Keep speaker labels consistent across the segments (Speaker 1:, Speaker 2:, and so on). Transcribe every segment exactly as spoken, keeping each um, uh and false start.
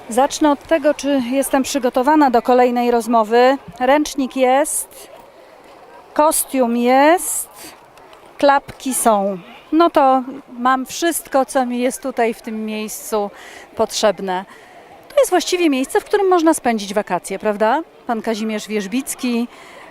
Speaker 1: Zacznę od tego, czy jestem przygotowana do kolejnej rozmowy. Ręcznik jest, kostium jest, klapki są. No to mam wszystko, co mi jest tutaj w tym miejscu potrzebne. To jest właściwie miejsce, w którym można spędzić wakacje, prawda? Pan Kazimierz Wierzbicki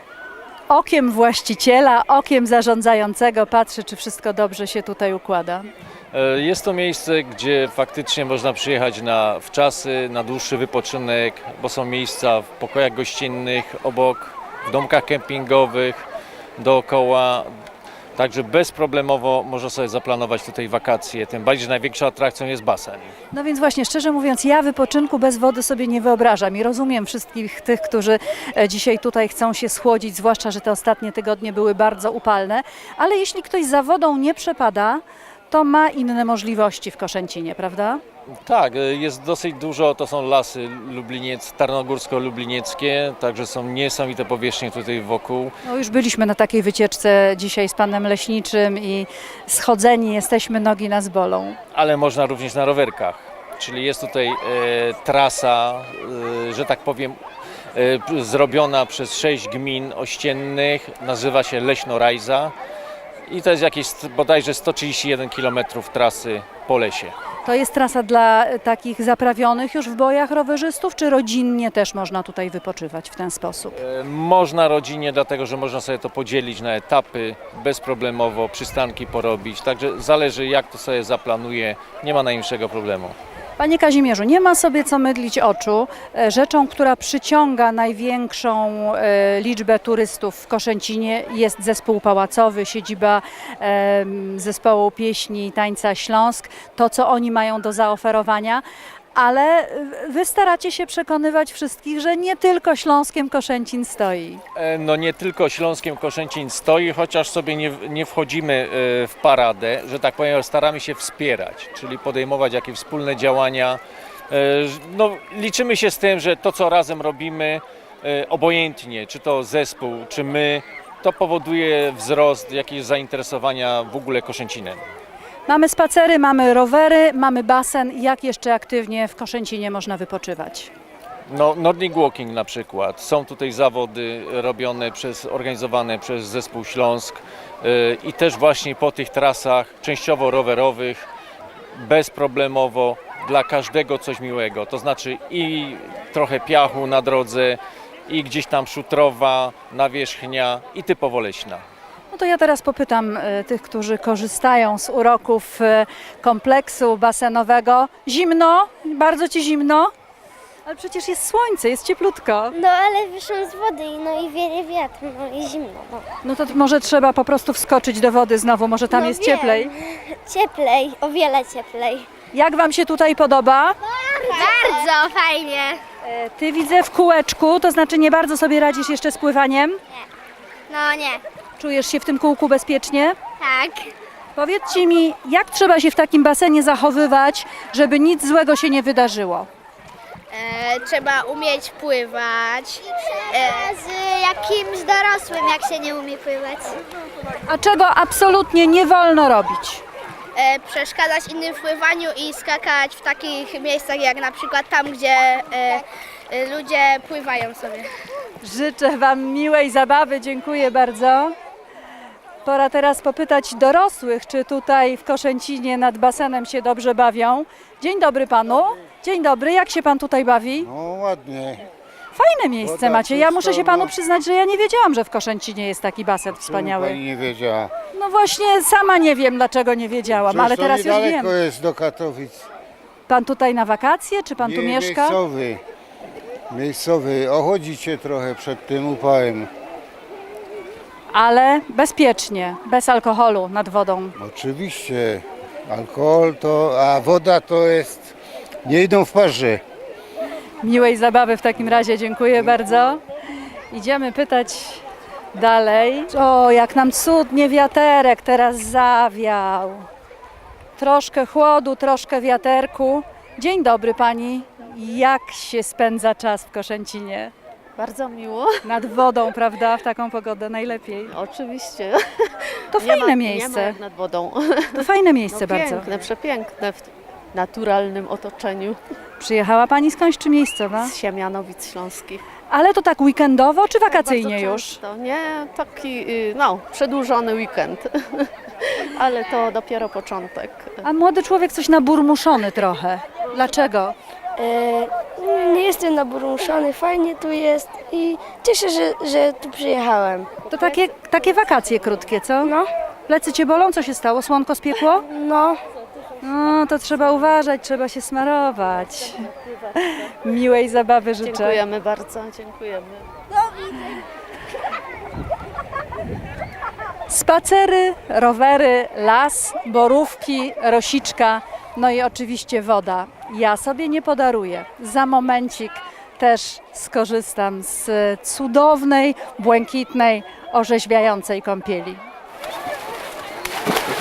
Speaker 1: okiem właściciela, okiem zarządzającego patrzy, czy wszystko dobrze się tutaj układa.
Speaker 2: Jest to miejsce, gdzie faktycznie można przyjechać na wczasy, na dłuższy wypoczynek, bo są miejsca w pokojach gościnnych, obok, w domkach kempingowych, dookoła. Także bezproblemowo można sobie zaplanować tutaj wakacje, tym bardziej, że największą atrakcją jest basen.
Speaker 1: No więc właśnie, szczerze mówiąc, ja wypoczynku bez wody sobie nie wyobrażam i rozumiem wszystkich tych, którzy dzisiaj tutaj chcą się schłodzić, zwłaszcza, że te ostatnie tygodnie były bardzo upalne, ale jeśli ktoś za wodą nie przepada, to ma inne możliwości w Koszęcinie, prawda?
Speaker 2: Tak, jest dosyć dużo, to są lasy lubliniec, tarnogórsko-lublinieckie, także są niesamowite powierzchnie tutaj wokół.
Speaker 1: No już byliśmy na takiej wycieczce dzisiaj z panem leśniczym i schodzeni jesteśmy, nogi nas bolą.
Speaker 2: Ale można również na rowerkach, czyli jest tutaj e, trasa, e, że tak powiem, e, zrobiona przez sześć gmin ościennych, nazywa się Leśno-Rajza i to jest jakieś bodajże sto trzydzieści jeden kilometrów trasy po lesie.
Speaker 1: To jest trasa dla takich zaprawionych już w bojach rowerzystów, czy rodzinnie też można tutaj wypoczywać w ten sposób?
Speaker 2: E, Można rodzinnie, dlatego że można sobie to podzielić na etapy, bezproblemowo przystanki porobić, także zależy jak to sobie zaplanuje, nie ma najmniejszego problemu.
Speaker 1: Panie Kazimierzu, nie ma sobie co mydlić oczu. Rzeczą, która przyciąga największą e, liczbę turystów w Koszęcinie jest zespół pałacowy, siedziba e, zespołu pieśni i tańca Śląsk, to co oni mają do zaoferowania. Ale wy staracie się przekonywać wszystkich, że nie tylko Śląskiem Koszęcin stoi.
Speaker 2: E, No nie tylko Śląskiem Koszęcin stoi, chociaż sobie nie, nie wchodzimy e, w paradę, że tak powiem, staramy się wspierać, czyli podejmować jakieś wspólne działania. E, No, liczymy się z tym, że to co razem robimy, e, obojętnie, czy to zespół, czy my, to powoduje wzrost jakiegoś zainteresowania w ogóle Koszęcinem.
Speaker 1: Mamy spacery, mamy rowery, mamy basen. Jak jeszcze aktywnie w Koszęcinie można wypoczywać?
Speaker 2: No, Nordic Walking na przykład. Są tutaj zawody robione przez, organizowane przez zespół Śląsk yy, i też właśnie po tych trasach częściowo rowerowych, bezproblemowo, dla każdego coś miłego. To znaczy i trochę piachu na drodze, i gdzieś tam szutrowa, nawierzchnia i typowo leśna.
Speaker 1: No to ja teraz popytam y, tych, którzy korzystają z uroków y, kompleksu basenowego. Zimno? Bardzo ci zimno? Ale przecież jest słońce, jest cieplutko.
Speaker 3: No ale wyszłam z wody i no i wieje wiatr, no i zimno. No,
Speaker 1: No to może trzeba po prostu wskoczyć do wody znowu, może tam
Speaker 3: No
Speaker 1: jest
Speaker 3: wiem.
Speaker 1: cieplej.
Speaker 3: Cieplej, o wiele cieplej.
Speaker 1: Jak wam się tutaj podoba?
Speaker 3: Bardzo fajnie.
Speaker 1: E, Ty widzę w kółeczku, to znaczy nie bardzo sobie radzisz jeszcze z pływaniem.
Speaker 3: No nie,
Speaker 1: Czujesz się w tym kółku bezpiecznie?
Speaker 3: tak.
Speaker 1: Powiedzcie mi, jak trzeba się w takim basenie zachowywać, żeby nic złego się nie wydarzyło?
Speaker 3: E, trzeba umieć pływać. E, z jakimś dorosłym, jak się nie umie pływać.
Speaker 1: A czego absolutnie nie wolno robić?
Speaker 3: E, przeszkadzać innym w pływaniu i skakać w takich miejscach jak na przykład tam, gdzie e, e, ludzie pływają sobie.
Speaker 1: Życzę wam miłej zabawy, dziękuję bardzo. Pora teraz popytać dorosłych, czy tutaj w Koszęcinie nad basenem się dobrze bawią. Dzień dobry panu. Dzień dobry, jak się pan tutaj bawi?
Speaker 4: No ładnie.
Speaker 1: Fajne miejsce
Speaker 4: Woda
Speaker 1: macie. Ja muszę się
Speaker 4: czysta,
Speaker 1: panu
Speaker 4: no.
Speaker 1: przyznać, że ja nie wiedziałam, że w Koszęcinie jest taki basen
Speaker 4: Pani
Speaker 1: wspaniały.
Speaker 4: nie wiedziała.
Speaker 1: No właśnie, sama nie wiem, dlaczego nie wiedziałam,
Speaker 4: Przecież
Speaker 1: ale
Speaker 4: to
Speaker 1: teraz już wiem.
Speaker 4: niedaleko jest do Katowic.
Speaker 1: Pan tutaj na wakacje, czy pan tu
Speaker 4: Nie,
Speaker 1: mieszka?
Speaker 4: Miejscowy. Miejscowy. Ochodzicie trochę przed tym upałem.
Speaker 1: Ale bezpiecznie, bez alkoholu nad wodą.
Speaker 4: Oczywiście. Alkohol to, a woda to jest, nie idą w parze.
Speaker 1: Miłej zabawy w takim razie, dziękuję bardzo. Idziemy pytać dalej. O, jak nam cudnie wiaterek teraz zawiał. Troszkę chłodu, troszkę wiaterku. Dzień dobry pani. Jak się spędza czas w Koszęcinie?
Speaker 5: Bardzo miło.
Speaker 1: Nad wodą, prawda? W taką pogodę najlepiej.
Speaker 5: Oczywiście.
Speaker 1: To
Speaker 5: Nie
Speaker 1: fajne
Speaker 5: ma, Nie ma
Speaker 1: miejsce.
Speaker 5: jak nad wodą.
Speaker 1: To fajne miejsce
Speaker 5: No,
Speaker 1: bardzo.
Speaker 5: piękne, przepiękne. naturalnym otoczeniu
Speaker 1: Przyjechała Pani skądś czy miejscowa?
Speaker 5: z Siemianowic Śląskich.
Speaker 1: Ale to tak weekendowo czy wakacyjnie
Speaker 5: Bardzo
Speaker 1: już?
Speaker 5: często. Nie, taki y, no, przedłużony weekend, ale to dopiero początek.
Speaker 1: A młody człowiek coś naburmuszony trochę. Dlaczego?
Speaker 6: E, nie jestem naburmuszony, fajnie tu jest i cieszę się, że, że tu przyjechałem.
Speaker 1: To takie, takie wakacje krótkie, co?
Speaker 6: No,
Speaker 1: Plecy Cię bolą? Co się stało? Słonko spiekło?
Speaker 6: no,
Speaker 1: No, to trzeba uważać, trzeba się smarować. Miłej zabawy życzę.
Speaker 5: Dziękujemy bardzo, dziękujemy.
Speaker 1: Spacery, rowery, las, borówki, rosiczka, no i oczywiście woda. Ja sobie nie podaruję. Za momencik też skorzystam z cudownej, błękitnej, orzeźwiającej kąpieli.